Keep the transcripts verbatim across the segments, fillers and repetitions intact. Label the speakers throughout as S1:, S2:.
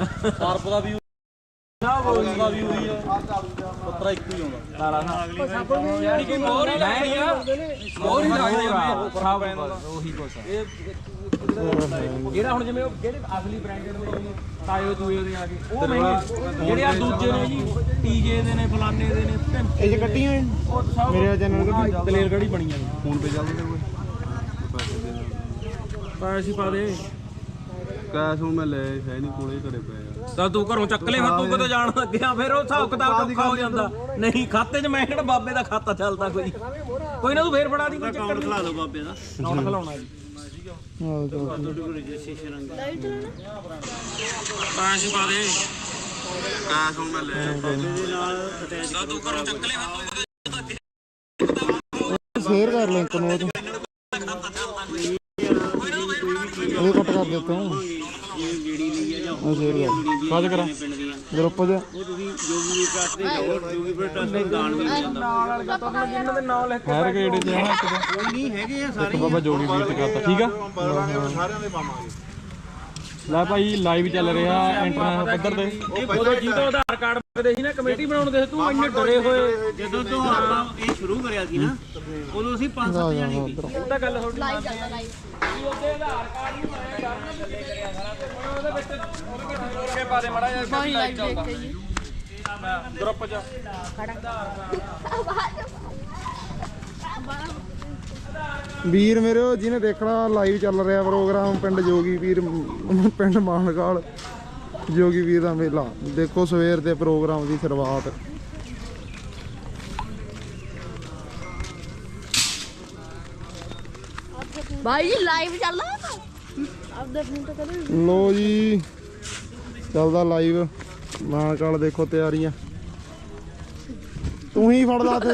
S1: ਸਰਪ ਦਾ ਵੀ ਨਾ ਬੋਲੀ ਦਾ ਵੀ ਹੋਈ ਆ ਪੱਤਰਾ ਇੱਕ ਹੀ ਆਉਂਦਾ ਤਾਲਾ ਨਾਲ ਯਾਨੀ ਕਿ ਮੋਰ ਹੀ ਲੱਗਦੀ ਆ ਮੋਰ ਹੀ ਲੱਗਦੀ ਆ ਸਭ ਉਹੀ ਕੁਛ ਇਹ ਜਿਹੜਾ ਹੁਣ ਜਿਵੇਂ ਜਿਹੜੇ ਅਸਲੀ ਬ੍ਰਾਂਡਡ ਨੇ ਤਾਇਓ ਦੂਏ ਦੇ ਆ ਗਏ ਉਹ ਮਹਿੰਗੇ ਜਿਹੜੇ ਆ ਦੂਜੇ ਨੇ ਜੀ ਟੀਜੇ ਦੇ ਨੇ ਫਲਾਨੇ ਦੇ ਨੇ ਇਹ ਚ ਕੱਟੀਆਂ ਉਹ ਸਭ ਮੇਰੇ ਚੈਨਲ ਤੇ ਦਲੇਰ ਗੜੀ ਬਣੀਆਂ ਨੇ ਫੋਨ ਤੇ ਚੱਲਦੇ ਤੇ ਕੋਈ ਪੈਸੇ ਪਾ ਦੇ ਕੈਸ਼ ਹੁਣ ਮੈਂ ਲੈ ਹੈ ਨਹੀਂ ਕੋਲੇ ਘਰੇ ਪਿਆ ਤਾਂ ਤੂੰ ਘਰੋਂ ਚੱਕ ਲੈ ਫਿਰ ਤੂੰ ਕਿਤੇ ਜਾਣ ਲੱਗਿਆ ਫਿਰ ਉਹ ਹਿਸਾਬ ਕਿਤਾਬ ਔਖਾ ਹੋ ਜਾਂਦਾ ਨਹੀਂ ਖਾਤੇ 'ਚ ਮੈਂ ਕਿਹੜਾ ਬਾਬੇ ਦਾ ਖਾਤਾ ਚੱਲਦਾ ਕੋਈ ਕੋਈ ਨਾ ਤੂੰ ਫੇਰ ਫੜਾ ਦੀ ਕੋਈ ਚੱਕਰ ਨਹੀਂ ਖਿਲਾ ਦੋ ਬਾਬੇ ਦਾ ਨੋਟ ਖਿਲਾਉਣਾ ਜੀ ਹਾਂ ਤੁਹਾਡੇ ਕੋਲ ਰਜਿਸਟ੍ਰੇਸ਼ਨ ਅੰਗ ਲਾਈਟ ਚਲਾਣਾ ਪੈਸੇ ਪਾ ਦੇ ਕੈਸ਼ ਹੁਣ ਮੈਂ ਲੈ ਦੇ ਨਾਲ ਅਟੈਚ ਤਾਂ ਤੂੰ ਘਰੋਂ ਚੱਕ ਲੈ ਫਿਰ ਸ਼ੇਅਰ ਕਰ ਲਿੰਕ ਨੂੰ ਉਹ ਕੱਟ ਕਰ ਦਿੱਤਾ ਜਿਹੜੀ ਲਈ ਆ ਜਾਂ ਉਹ ਸ਼ੇਅਰ ਕਰ ਕਾਜ ਕਰਾਂ ਗਰੁੱਪ ਦੇ ਉਹ ਤੁਸੀਂ ਜੋਗੀ ਟਰਸਟ ਦੇ ਜਾਓ ਜੋਗੀ ਟਰਸਟ ਦੇ ਗਾਣ ਵੀ ਜਾਂਦਾ ਨਾਲ ਵਾਲੇ ਦਾ ਤੁਹਾਨੂੰ ਜਿੰਨਾਂ ਦੇ ਨਾਮ ਲਿਖ ਕੇ ਹੈਰ ਗੇੜੇ ਚ ਹੈ ਕੋਈ ਨਹੀਂ ਹੈਗੇ ਆ ਸਾਰੇ ਬਾਬਾ ਜੋਗੀ ਵੀਰ ਤੇ ਕਰਤਾ ਠੀਕ ਆ ਸਾਰਿਆਂ ਦੇ ਪਾਵਾਂਗੇ ਲੈ ਭਾਈ ਲਾਈਵ ਚੱਲ ਰਿਹਾ ਇੰਟਰਨੈਟ ਪੱਧਰ ਤੇ ਉਦੋਂ ਜਿਹਦਾ ਆਧਾਰ ਕਾਰਡ ਮੰਗਦੇ ਸੀ ਨਾ ਕਮੇਟੀ ਬਣਾਉਣ ਦੇ ਤੂੰ ਇੰਨੇ ਡਰੇ ਹੋਏ ਜਦੋਂ ਤੋਂ ਆਪਾਂ ਇਹ ਸ਼ੁਰੂ ਕਰਿਆ ਸੀ ਨਾ ਉਦੋਂ ਅਸੀਂ ਪੰਜ ਸੱਤ ਜਣੇ ਸੀ ਉਹ ਤਾਂ ਗੱਲ ਤੁਹਾਡੀ ਲਾਈਵ ਚੱਲਦਾ ਲਾਈਵ ਜੀ ਉਹਦੇ ਆਧਾਰ ਕਾਰਡ ਨੂੰ ਆਇਆ ਕਰਨ ਥੱਲੇ ਕਰਿਆ ਸਾਰਾ ਤੇ ਉਹਦੇ ਵਿੱਚ ਉਹਦੇ ਵਿੱਚ ਜੋੜ ਕੇ ਪਾ ਦੇ ਮੜਾ ਜਿਹਾ ਬਾਈ ਲਾਈਵ ਦੇਖ ਕੇ ਜੀ ਗਰੁੱਪ ਚ ਵੀਰ ਮੇਰੇ ਜਿਹਨੇ ਦੇਖਣਾ ਲਾਈਵ ਚੱਲ ਰਿਹਾ ਪ੍ਰੋਗਰਾਮ ਪਿੰਡ ਜੋਗੀ ਵੀਰ ਪਿੰਡ ਮਾਨਕਾਲ ਜੋਗੀ ਵੀਰ ਦਾ ਮੇਲਾ ਦੇਖੋ ਸਵੇਰ ਦੇ ਪ੍ਰੋਗਰਾਮ ਦੀ ਸ਼ੁਰੂਆਤ
S2: भाई जी लाइव चल रहा है आप दस मिनट करो
S1: लो जी चलदा लाइव मानकाल देखो तैयारियां तू ही फड़ ला थे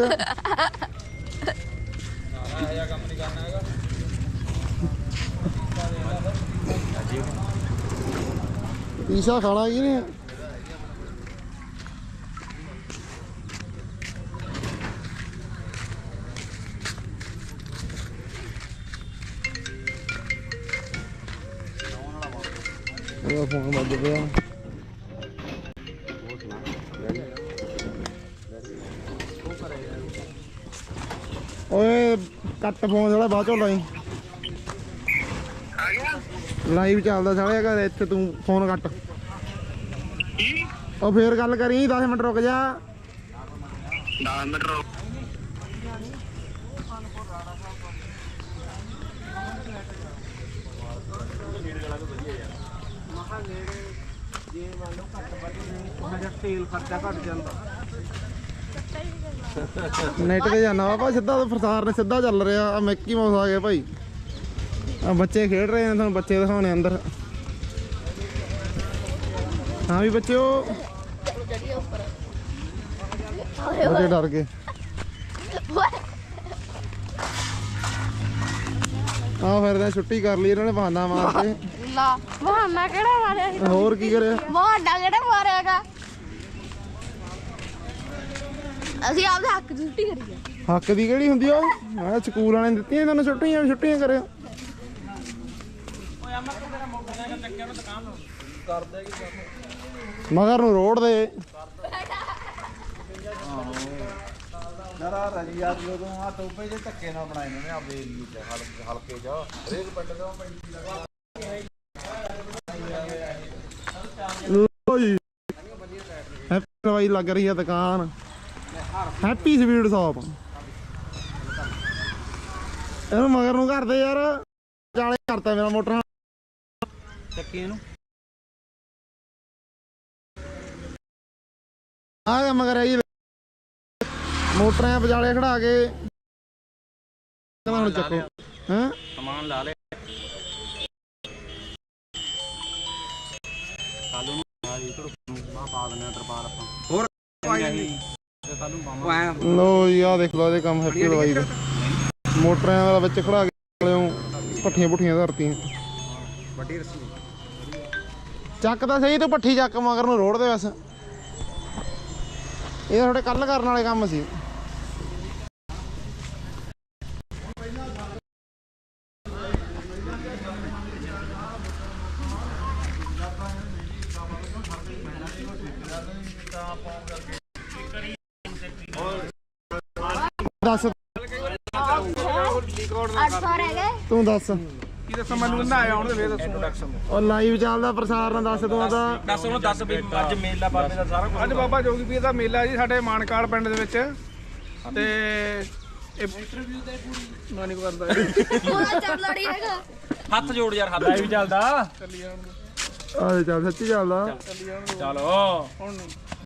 S1: ईशा खाना की नहीं फोन बज गया ओए कट फोन थोड़ा बाद चो लाई लाइव चलदा साले घर इत्थे तू फोन कट ओ फिर गल करी दस मिनट रुक जा दस मिनट रुक नेट ते जाना वा सीधा प्रसार ने सीधा चल रहा मिक्की माउस आ गया भाई बच्चे खेड रहे हैं बच्चे दिखाने अंदर हाँ भी बच्चे बच्चे डर गए हाँ फिर छुट्टी कर ली इन्होंने बहाना मार के
S2: बहाना केड़ा मारिया
S1: होर की करे
S2: बहाना केड़ा मारियागा ਅਸੀਂ ਆਪਦੇ ਹੱਕ ਦੀ ਛੁੱਟੀ ਕਰੀ ਆ
S1: ਹੱਕ ਦੀ ਕਿਹੜੀ ਹੁੰਦੀ ਆ ਮੈਂ ਸਕੂਲ ਵਾਲਿਆਂ ਨੇ ਦਿੱਤੀਆਂ ਤੁਹਾਨੂੰ ਛੁੱਟੀਆਂ ਛੁੱਟੀਆਂ ਕਰਿਓ ਓਏ ਅਮਰ ਤੇਰਾ ਮੋਟਰਸਾਈਕਲ ਚੱਕਿਆ ਨਾ ਦੁਕਾਨ ਕਰਦਾ ਕੀ ਮਗਰ ਨੂੰ ਰੋਡ ਦੇ ਨਰਾ ਰਾਜੀ ਯਾਰ ਜਦੋਂ ਆ ਟੋਪੇ ਜੇ ਧੱਕੇ ਨਾਲ ਬਣਾਏ ਨੇ ਆਪਦੇ ਏਰੀਏ ਚ ਹਲਕੇ ਚ ਹਰੇਕ ਪਿੰਡ ਦਾ ਪਿੰਡ ਲਗਾ ਲੋ ਜੀ ਹੈਪੀ ਵਾਈ ਲੱਗ ਰਹੀ ਆ ਦੁਕਾਨ हैप्पी स्वीट शॉप ਇਹਨੂੰ ਮਗਰ ਨੂੰ ਕਰਦੇ ਯਾਰ ਚਾਲੇ ਕਰਤਾ ਮੇਰਾ ਮੋਟਰ ਚੱਕੀ ਇਹਨੂੰ ਆ ਗਿਆ ਮਗਰ ਆਈ ਮੋਟਰਾਂ ਵਿਚਾਲੇ ਖੜਾ ਕੇ ਹੁਣ ਚੱਕੋ ਹੈ ਸਮਾਨ ਲਾ ਲੈ ਕੱਲ ਨੂੰ ਆ ਜੀ ਥੋੜਾ ਪਾ ਦਿੰਦੇ ਆ ਤਰਪਾਲ ਆਪਾਂ ਹੋਰ लो जी आ देख लो ये काम हैप्पी दवाई दे मोटर बच्चे खड़ा के भट्ठियां भुट्ठियां धरती चक तो सही तो भट्ठी चक मगर रोड़ दे बस ये थोड़े कल करने वाले काम सी
S3: ਦੱਸ
S2: ਅੱਠ ਸੌ ਰਹਿ ਗਏ।
S3: ਤੂੰ ਦੱਸ
S4: ਕੀ ਦੱਸਾਂ ਮੈਨੂੰ ਨਾ ਆਇਆ ਹੁਣ ਤੇ ਫੇਰ ਦੱਸੂ।
S3: ਉਹ ਲਾਈਵ ਚੱਲਦਾ ਪ੍ਰਸਾਰਣ ਦੱਸ ਤੂੰ ਆਦਾ
S1: ਦੱਸ ਉਹਨੂੰ ਦੱਸ ਵੀ ਅੱਜ ਮੇਲਾ ਬਾਬੇ ਦਾ ਸਾਰਾ ਕੁਝ
S4: ਅੱਜ ਬਾਬਾ ਜੋਗੀ ਪੀਰ ਦਾ ਮੇਲਾ ਜੀ ਸਾਡੇ ਮਾਨਕਾਲ ਪਿੰਡ ਦੇ ਵਿੱਚ ਤੇ ਇਹ ਨਾ ਨਹੀਂ ਕਰਦਾ
S2: ਪੂਰਾ ਚੱਲ ਲੜੀ ਹੈਗਾ।
S1: ਹੱਥ ਜੋੜ ਯਾਰ ਹੱਥ
S5: ਲਾਈਵ ਚੱਲਦਾ
S3: ਆ ਚੱਲ ਸੱਚੀ ਚੱਲਦਾ
S1: ਚਲੋ
S4: ਹੁਣ